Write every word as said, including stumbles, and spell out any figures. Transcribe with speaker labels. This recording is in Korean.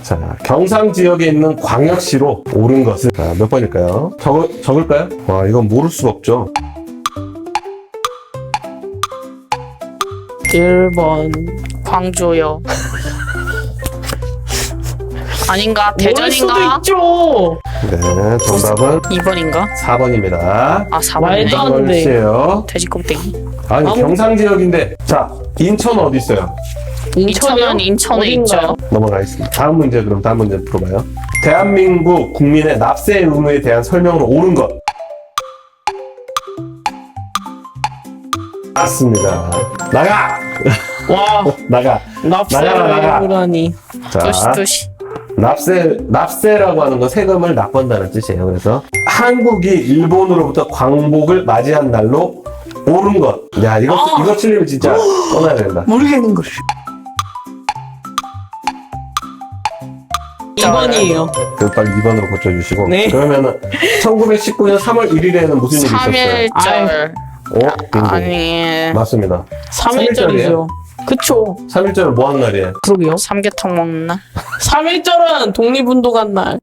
Speaker 1: 자, 경상 지역에 있는 광역시로 옳은 것은 자, 몇 번일까요? 적, 적을까요? 와, 이건 모를 수가 없죠.
Speaker 2: 일 번 광주요. 아닌가?
Speaker 3: 모를 수도
Speaker 2: 대전인가?
Speaker 3: 있죠.
Speaker 1: 네, 정답은
Speaker 2: 이 번인가?
Speaker 1: 사 번입니다.
Speaker 2: 아 사 번이네.
Speaker 3: 말도 안 돼.
Speaker 1: 시에요.
Speaker 2: 돼지 껍데기.
Speaker 1: 아니,
Speaker 3: 아무-
Speaker 1: 경상 지역인데. 자, 인천 어디 있어요?
Speaker 2: 인천은 인천에
Speaker 3: 어딘가요?
Speaker 2: 있죠.
Speaker 1: 넘어가겠습니다. 다음 문제 그럼 다음 문제 풀어봐요. 대한민국 국민의 납세 의무에 대한 설명으로 옳은 것. 맞습니다. 나가!
Speaker 3: 와,
Speaker 1: 나가.
Speaker 3: 납세를
Speaker 1: 나가, 나가.
Speaker 3: 해보라니.
Speaker 1: 자,
Speaker 2: 도시 도시.
Speaker 1: 납세, 납세라고 하는 건 세금을 납본다는 뜻이에요. 그래서 한국이 일본으로부터 광복을 맞이한 날로 옳은 것. 야, 이거,
Speaker 3: 아.
Speaker 1: 이거 틀리면 진짜 떠나야 된다.
Speaker 3: 모르겠는 걸. 이 번이에요.
Speaker 1: 그 빨리 이 번으로 고쳐주시고.
Speaker 3: 네.
Speaker 1: 그러면은 천구백십구 년 삼월 일일에는 무슨 일이 있었어요?
Speaker 2: 삼일절.
Speaker 1: 어? 빙고.
Speaker 2: 아니
Speaker 1: 맞습니다.
Speaker 3: 삼 일절이죠. 그쵸.
Speaker 1: 삼 일절은 뭐 하는 날이에요?
Speaker 3: 그러게요.
Speaker 2: 삼계탕 먹는 날.
Speaker 3: 삼 일절은 독립운동한 날.